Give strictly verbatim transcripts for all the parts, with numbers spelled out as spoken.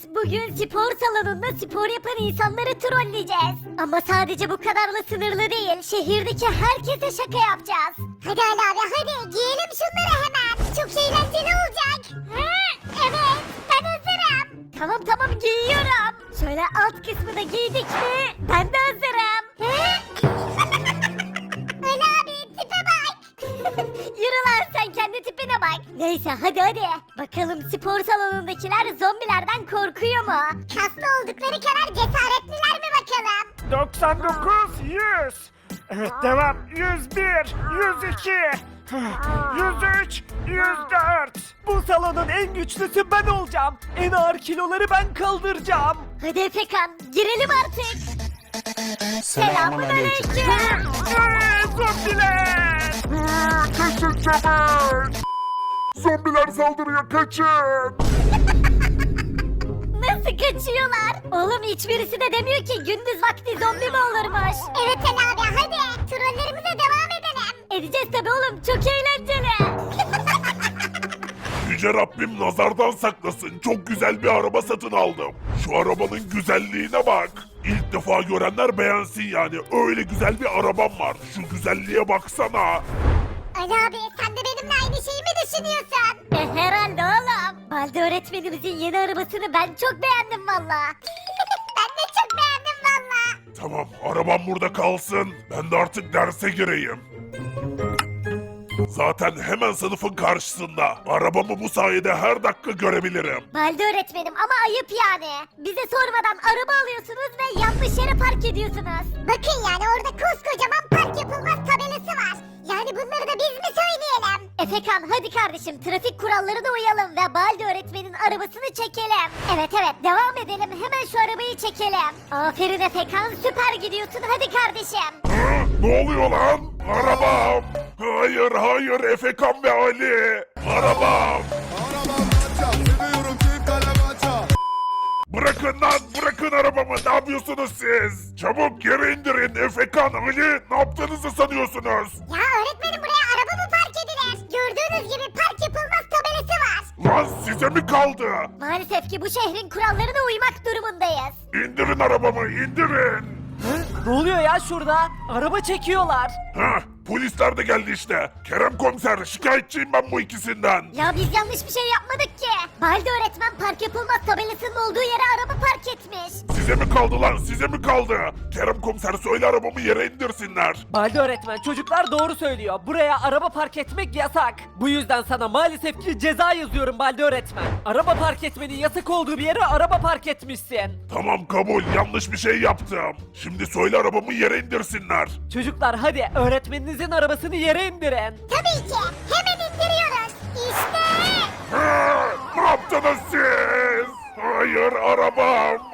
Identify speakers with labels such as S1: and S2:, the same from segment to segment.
S1: bugün spor salonunda spor yapan insanları trolleyeceğiz. Ama sadece bu kadarla sınırlı değil. Şehirdeki herkese şaka yapacağız.
S2: Hadi Ali abi hadi giyelim şunları hemen. Çok eğlenceli olacak. Ha, evet ben hazırım.
S1: Tamam tamam giyiyorum. Şöyle alt kısmı da giydik mi ben de hazırım.
S2: Ha? Ali abi tipe bak.
S1: Yürü lan sen kendi tipine bak. Neyse hadi hadi. Bakalım spor salonundakiler zombilerden korkuyor mu?
S2: Kaslı oldukları kadar cesaretliler mi bakalım?
S3: doksan dokuz, yüz. Evet devam. yüz bir, yüz iki, yüz üç, yüz dört. Bu salonun en güçlüsü ben olacağım. En ağır kiloları ben kaldıracağım.
S1: Hadi Efekan girelim artık. Selamun aleyküm.
S3: Eee, zombiler! Kaçın çabuk! Zombiler saldırıyor, kaçın!
S1: Nasıl kaçıyorlar? Oğlum hiçbirisi de demiyor ki gündüz vakti zombi mi olurmuş?
S2: Evet Ali abi hadi trollerimize devam edelim.
S1: Edeceğiz tabi oğlum çok eğlenceli.
S4: Yüce Rabbim nazardan saklasın. Çok güzel bir araba satın aldım. Şu arabanın güzelliğine bak. İlk defa görenler beğensin yani. Öyle güzel bir arabam var. Şu güzelliğe baksana.
S2: Ali abi sen de benimle aynı şeyi mi düşünüyorsun?
S1: E, herhalde oğlum. Balde öğretmenimizin yeni arabasını ben çok beğendim valla.
S2: Ben de çok beğendim valla.
S4: Tamam, arabam burada kalsın. Ben de artık derse gireyim. Zaten hemen sınıfın karşısında. Arabamı bu sayede her dakika görebilirim.
S1: Balde öğretmenim ama ayıp yani. Bize sormadan araba alıyorsunuz ve yanlış yere park ediyorsunuz.
S2: Bakın yani orada koskocaman park yapılmaz tabelası var. Yani bunları da biz mi söyleyelim?
S1: Efekan hadi kardeşim trafik kurallarına uyalım ve Balde öğretmenin arabasını çekelim. Evet evet devam edelim hemen şu arabayı çekelim. Aferin Efekan süper gidiyorsun hadi kardeşim.
S4: Ha, ne oluyor lan? Arabam! Hayır hayır Efekan ve Ali! Arabam!
S5: Arabam maça, seviyorum çift kalem maça.
S4: Bırakın lan bırakın arabamı ne yapıyorsunuz siz? Çabuk yere indirin Efekan Ali ne yaptığınızı sanıyorsunuz?
S2: Ya öğretmenim buraya araba mı park edilir? Gördüğünüz gibi park yapılmaz tabelası var.
S4: Lan size mi kaldı?
S1: Maalesef ki bu şehrin kurallarına uymak durumundayız.
S4: İndirin arabamı indirin.
S3: Ne oluyor ya şurada? Araba çekiyorlar.
S4: Hah polisler de geldi işte. Kerem komiser şikayetçiyim ben bu ikisinden.
S1: Ya biz yanlış bir şey yapmadık ki. Balde öğretmen park yapılmaz tabelasının olduğu yere araba park etmiş.
S4: Size mi kaldı lan size mi kaldı? Kerem komiser söyle arabamı yere indirsinler.
S3: Balde öğretmen çocuklar doğru söylüyor. Buraya araba park etmek yasak. Bu yüzden sana maalesef ki ceza yazıyorum Balde öğretmen. Araba park etmenin yasak olduğu bir yere araba park etmişsin.
S4: Tamam kabul yanlış bir şey yaptım. Şimdi söyle arabamı yere indirsinler.
S3: Çocuklar hadi öğretmeninizin arabasını yere indirin.
S2: Tabii ki hemen indiriyoruz. İşte.
S4: Ha, ne yaptınız siz? Hayır arabam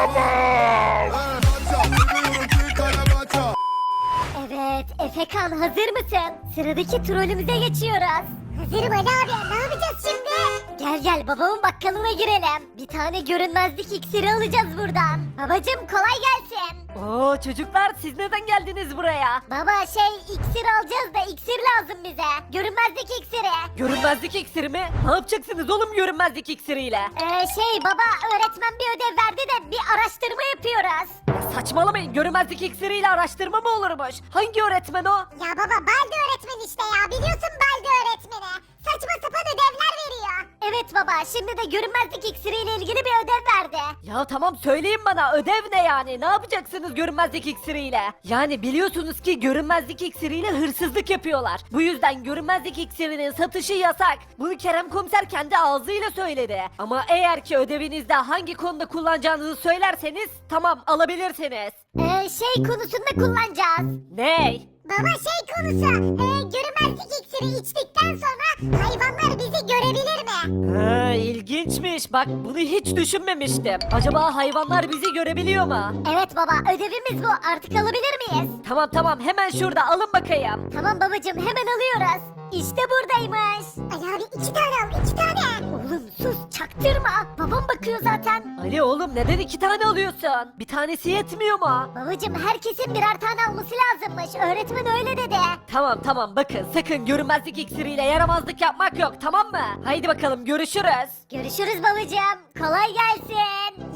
S4: arabam.
S5: Maça, seviyorum çift kalem maça.
S1: Evet Efekan hazır mısın? Sıradaki trolümüze geçiyoruz.
S2: Hazırım Ali abi ne yapacağız şimdi?
S1: Gel gel babamın bakkalına girelim. Bir tane görünmezlik iksiri alacağız buradan. Babacım kolay gelsin.
S3: Oo çocuklar siz neden geldiniz buraya?
S1: Baba şey iksir alacağız da iksir lazım bize. Görünmezlik iksiri.
S3: Görünmezlik iksiri mi? Ne yapacaksınız oğlum görünmezlik iksiriyle?
S1: Ee, şey baba öğretmen bir ödev verdi de bir araştırma yapıyoruz.
S3: Saçmalamayın görünmezlik iksiriyle araştırma mı olurmuş? Hangi öğretmen o?
S2: Ya baba Balde öğretmen işte ya biliyorsun Balde öğretmeni. Saçma sapan ödevler veriyor.
S1: Evet baba şimdi de görünmezlik iksiriyle ilgili bir ödev verdi.
S3: Ya tamam söyleyin bana ödev ne yani? Ne yapacaksınız görünmezlik iksiriyle? Yani biliyorsunuz ki görünmezlik iksiriyle hırsızlık yapıyorlar. Bu yüzden görünmezlik iksirinin satışı yasak. Bunu Kerem komiser kendi ağzıyla söyledi. Ama eğer ki ödevinizde hangi konuda kullanacağınızı söylerseniz tamam alabilirsiniz.
S1: Ee, şey konusunda kullanacağız.
S3: Ney?
S2: Baba şey konusu e, görünmezlik iksiri içtikten sonra hayvanlar bizi görebilir mi?
S3: Ha, ilginçmiş. Bak bunu hiç düşünmemiştim. Acaba hayvanlar bizi görebiliyor mu?
S1: Evet baba ödevimiz bu artık alabilir miyiz?
S3: Tamam tamam hemen şurada alın bakayım.
S1: Tamam babacım hemen alıyoruz. İşte buradaymış.
S2: Ali abi iki tane al iki tane.
S1: Oğlum sus çaktırma. Babam bakıyor zaten.
S3: Ali oğlum neden iki tane alıyorsun? Bir tanesi yetmiyor mu?
S1: Babacım herkesin birer tane alması lazımmış. Öğretmen öyle dedi.
S3: Tamam tamam bakın sakın görünmezlik iksiriyle yaramazlık yapmak yok tamam mı? Haydi bakalım görüşürüz.
S1: Görüşürüz babacım. Kolay gelsin.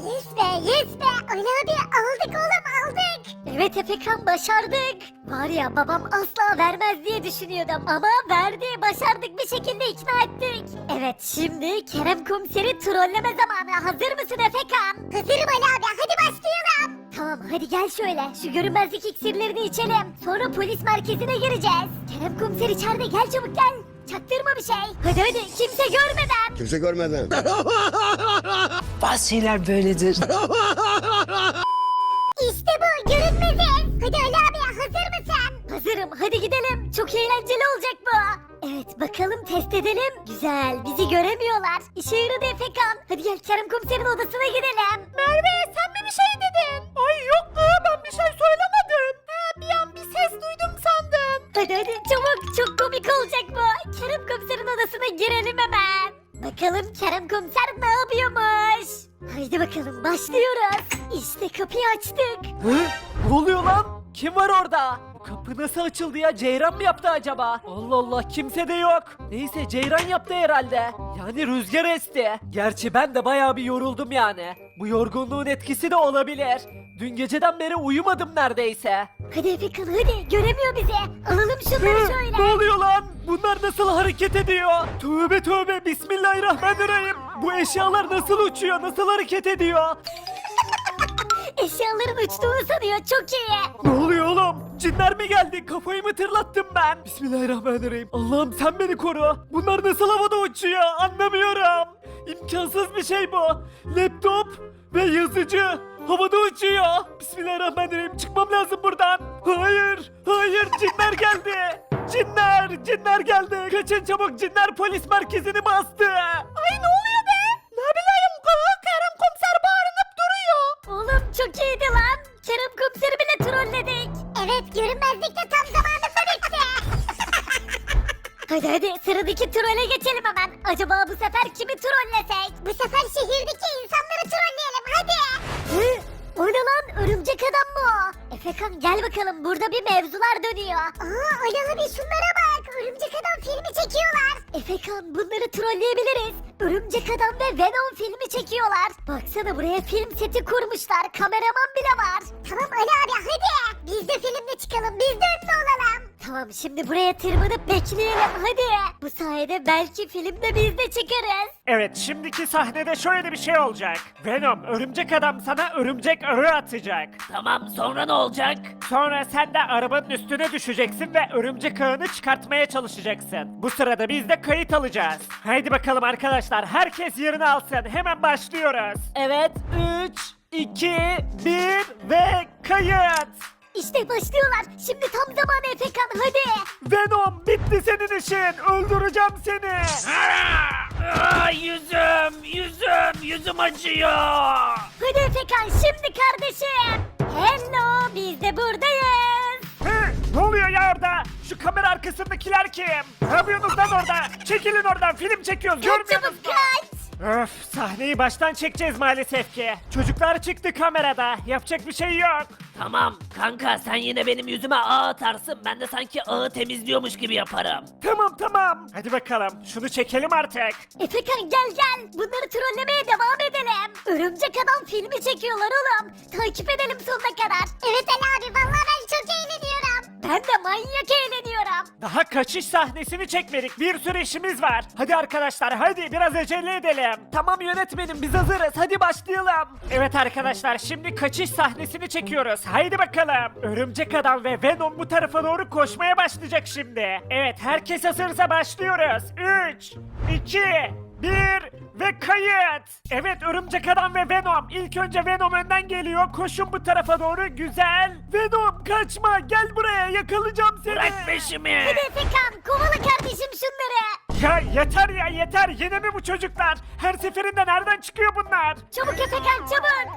S2: Yes be yes be. Ali abi aldık oğlum aldık.
S1: Evet Efekan başardık. Var ya babam asla vermez diye düşünüyordum ama verdi, başardık, bir şekilde ikna ettik. Evet şimdi Kerem komiseri trolleme zamanı. Hazır mısın Efekan?
S2: Hazırım Ali abi hadi başlayalım.
S1: Tamam hadi gel şöyle şu görünmezlik iksirlerini içelim. Sonra polis merkezine gireceğiz. Kerem komiser içeride, gel çabuk gel. Çaktırma bir şey. Hadi hadi kimse görmeden.
S5: Kimse görmeden.
S6: Bazı şeyler böyledir.
S2: İşte bu görünmeziz. Hadi Ali abi hazır mısın?
S1: Hazırım hadi gidelim. Çok eğlenceli olacak bu. Evet bakalım test edelim. Güzel bizi göremiyorlar. İşe yaradı Efekan. Hadi gel Kerem komiserin odasına gidelim. Merve sen mi bir şey dedin? Ay yok mu ben bir şey söylemedim. Ha, bir an bir ses duydum sandım. Hadi hadi çabuk çok komik olacak bu. Kerem komiserin odasına girelim hemen. Bakalım Kerem komiser ne yapıyormuş? Haydi bakalım başlıyoruz. İşte kapıyı açtık.
S3: Hı? Ne oluyor lan? Kim var orada? Bu kapı nasıl açıldı ya? Ceyran mı yaptı acaba? Allah Allah kimse de yok. Neyse Ceyran yaptı herhalde. Yani rüzgar esti. Gerçi ben de bayağı bir yoruldum yani. Bu yorgunluğun etkisi de olabilir. Dün geceden beri uyumadım neredeyse.
S1: Hadi Efekan hadi göremiyor bizi. Alalım şunları
S3: Hı?
S1: şöyle.
S3: Ne oluyor lan? Bunlar nasıl hareket ediyor? Tövbe tövbe bismillahirrahmanirrahim. Bu eşyalar nasıl uçuyor? Nasıl hareket ediyor?
S1: Eşyaların uçtuğunu sanıyor, çok iyi.
S3: Ne oluyor oğlum? Cinler mi geldi? Kafayı mı tırlattım ben? Bismillahirrahmanirrahim. Allah'ım sen beni koru. Bunlar nasıl havada uçuyor? Anlamıyorum. İmkansız bir şey bu. Laptop ve yazıcı havada uçuyor. Bismillahirrahmanirrahim. Çıkmam lazım buradan. Hayır. Hayır. Cinler geldi. Cinler. Cinler geldi. Kaçın çabuk. Cinler polis merkezini bastı. Ay ne oluyor be? Ne bileyim. Kerem komiser bağırınıp duruyor.
S1: Oğlum çok iyiydi lan. Kerem komiseri bile trolledik.
S2: Evet görünmezlik de tam zamanında bitti.
S1: Hadi hadi sıradaki trole geçelim hemen. Acaba bu sefer kimi trollesek?
S2: Bu sefer şehirdeki insanları trolleyelim hadi.
S1: Hı? O ne lan? Örümcek adam mı o? Efekan gel bakalım, burada bir mevzular dönüyor.
S2: Aa Ali abi şunlara bak. Örümcek adam filmi çekiyorlar.
S1: Efekan bunları trolleyebiliriz. Örümcek adam ve Venom filmi çekiyorlar. Baksana buraya film seti kurmuşlar. Kameraman bile var.
S2: Tamam Ali abi hadi. Biz de filmde çıkalım biz de ünlü olalım.
S1: Tamam şimdi buraya tırmanıp bekleyelim hadi. Bu sayede belki filmde biz de çıkarız.
S7: Evet, şimdiki sahnede şöyle bir şey olacak. Venom, örümcek adam sana örümcek arı atacak.
S3: Tamam sonra ne olacak?
S7: Sonra sen de arabanın üstüne düşeceksin ve örümcek ağını çıkartmaya çalışacaksın. Bu sırada biz de kayıt alacağız. Haydi bakalım arkadaşlar, herkes yerini alsın. Hemen başlıyoruz.
S3: Evet üç, iki, bir ve kayıt.
S1: İşte başlıyorlar. Şimdi tam zamanı Efekan hadi.
S7: Venom, bitti senin işin. Öldüreceğim seni.
S3: Aa, yüzüm, yüzüm, yüzüm acıyor.
S1: Hadi Efekan şimdi kardeşim. Hello biz de buradayız.
S7: Hı, ne oluyor ya orada? Şu kamera arkasındakiler kim? Ne yapıyorsunuz lan orada? Çekilin oradan, film çekiyoruz.
S1: Kaç
S7: Görmüyor
S1: çabuk
S7: musunuz?
S1: kaç.
S7: Öf, sahneyi baştan çekeceğiz maalesef ki. Çocuklar çıktı kamerada. Yapacak bir şey yok.
S3: Tamam kanka sen yine benim yüzüme ağ atarsın. Ben de sanki ağı temizliyormuş gibi yaparım.
S7: Tamam tamam. Hadi bakalım. Şunu çekelim artık.
S1: Efekan gel gel. Bunları trollemeye devam edelim. Örümcek adam filmi çekiyorlar oğlum. Takip edelim sonuna kadar.
S2: Evet Ali abi vallahi ben çok eğleniyorum.
S1: Ben de manyak eğleniyorum.
S7: Daha kaçış sahnesini çekmedik. Bir sürü işimiz var. Hadi arkadaşlar hadi biraz acele edelim.
S3: Tamam yönetmenim biz hazırız hadi başlayalım.
S7: Evet arkadaşlar şimdi kaçış sahnesini çekiyoruz. Haydi bakalım. Örümcek adam ve Venom bu tarafa doğru koşmaya başlayacak şimdi. Evet herkes hazırsa başlıyoruz. üç, iki, bir ve kayıt. Evet örümcek adam ve Venom. İlk önce Venom önden geliyor. Koşun bu tarafa doğru. Güzel. Venom kaçma. Gel buraya yakalayacağım seni.
S3: Bırak peşimi.
S1: Hadi Efekan kovala kardeşim şunları.
S7: Ya yeter ya yeter. Yine mi bu çocuklar? Her seferinde nereden çıkıyor bunlar?
S1: Çabuk Efekan çabuk.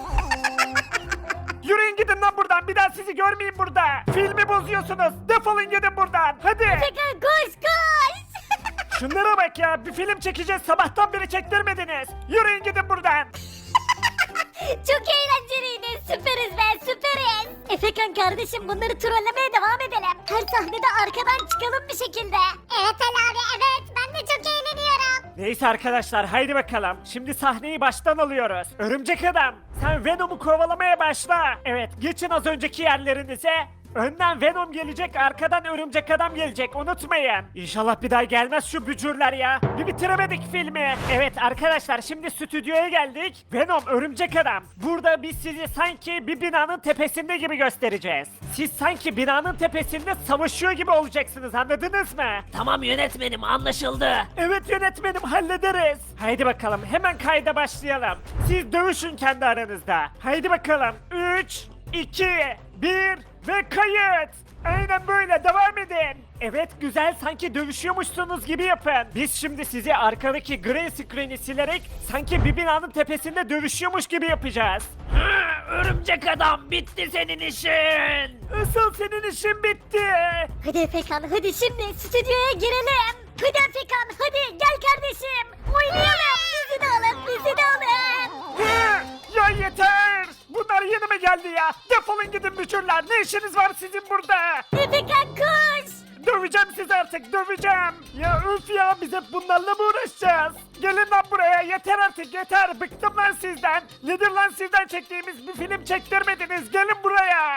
S7: Yürüyün gidin lan buradan. Bir daha sizi görmeyeyim burada. Filmi bozuyorsunuz. Defolun gidin buradan. Hadi.
S1: Efekan koş koş.
S7: Şunlara bak ya. Bir film çekeceğiz. Sabahtan beri çektirmediniz. Yürüyün gidin buradan.
S1: Çok eğlenceliydi. Süperiz be süperiz. Efekan kardeşim bunları trollemeye devam edelim. Her sahnede arkadan çıkalım bir şekilde.
S2: Evet Ali abi evet ben de çok eğleniyorum.
S7: Neyse arkadaşlar haydi bakalım. Şimdi sahneyi baştan alıyoruz. Örümcek adam sen Venom'u kovalamaya başla. Evet geçin az önceki yerlerinize. Önden Venom gelecek, arkadan Örümcek Adam gelecek. Unutmayın. İnşallah bir daha gelmez şu bücürler ya. Bir bitiremedik filmi. Evet arkadaşlar şimdi stüdyoya geldik. Venom, Örümcek Adam. Burada biz sizi sanki bir binanın tepesinde gibi göstereceğiz. Siz sanki binanın tepesinde savaşıyor gibi olacaksınız. Anladınız mı?
S3: Tamam yönetmenim anlaşıldı.
S7: Evet yönetmenim hallederiz. Haydi bakalım hemen kayda başlayalım. Siz dövüşün kendi aranızda. Haydi bakalım. üç, iki, bir ve kayıt. Aynen böyle devam edin. Evet güzel sanki dövüşüyormuşsunuz gibi yapın. Biz şimdi sizi arkadaki green screen'i silerek sanki bir binanın tepesinde dövüşüyormuş gibi yapacağız.
S3: Örümcek adam bitti senin işin.
S7: Asıl senin işin bitti.
S1: Hadi Efekan hadi şimdi stüdyoya girelim. Hadi Efekan hadi gel kardeşim. Oynayalım. Bizi de alın bizi de alın.
S7: Hı, ya yeter. Bunlar yeni mi geldi ya? Defolun gidin bücürler. Ne işiniz var sizin burada?
S1: Efekan koş.
S7: Döveceğim sizi artık döveceğim. Ya üf ya biz hep bunlarla mı uğraşacağız? Gelin lan buraya yeter artık yeter. Bıktım lan sizden. Nedir lan sizden çektiğimiz bir film çektirmediniz. Gelin buraya.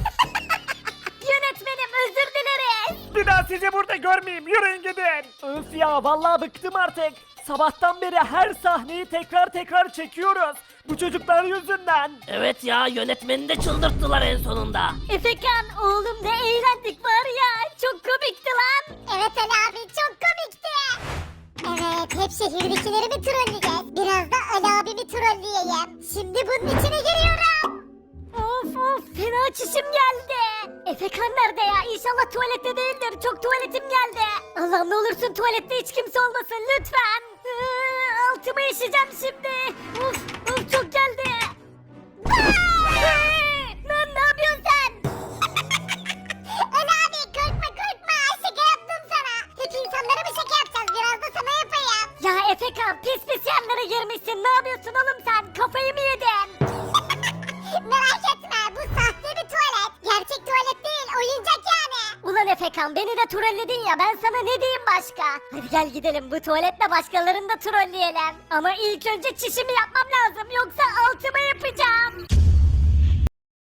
S1: Yönetmenim özür dileriz.
S7: Bir daha sizi burada görmeyeyim. Yürüyün gidin. Öf ya vallahi bıktım artık. Sabahtan beri her sahneyi tekrar tekrar çekiyoruz. Bu çocuklar yüzünden.
S3: Evet ya yönetmeni de çıldırttılar en sonunda.
S1: Efekan oğlum ne eğlendik var ya. Çok komikti lan.
S2: Evet Ali abi çok komikti. Evet hep şehirdekileri mi trolleyeceğiz? Biraz da Ali abimi trolleyeyim. Şimdi bunun içine giriyorum.
S1: Of of fena çişim geldi. Efekan nerede ya? İnşallah tuvalette değildir. Çok tuvaletim geldi. Allah'ım ne olursun tuvalette hiç kimse olmasın lütfen. Iıı, altıma işeceğim şimdi. Of of çok geldi. Lan ne yapıyorsun sen?
S2: Ali abi korkma korkma şaka yaptım sana. Hep insanlara mı şaka yapacağız biraz da sana yapayım.
S1: Ya Efekan pis pis yerlere girmişsin. Ne yapıyorsun oğlum sen? Kafayı mı yedin?
S2: Merak etme bu sahte bir tuvalet. Gerçek tuvalet değil oyuncak yani.
S1: Ulan Efekan beni de trolledin ya ben sana ne diyeyim başka? Hadi gel gidelim bu tuvaletle başkalarını da trolleyelim. Ama ilk önce çişimi yapmam lazım yoksa altıma yapacağım.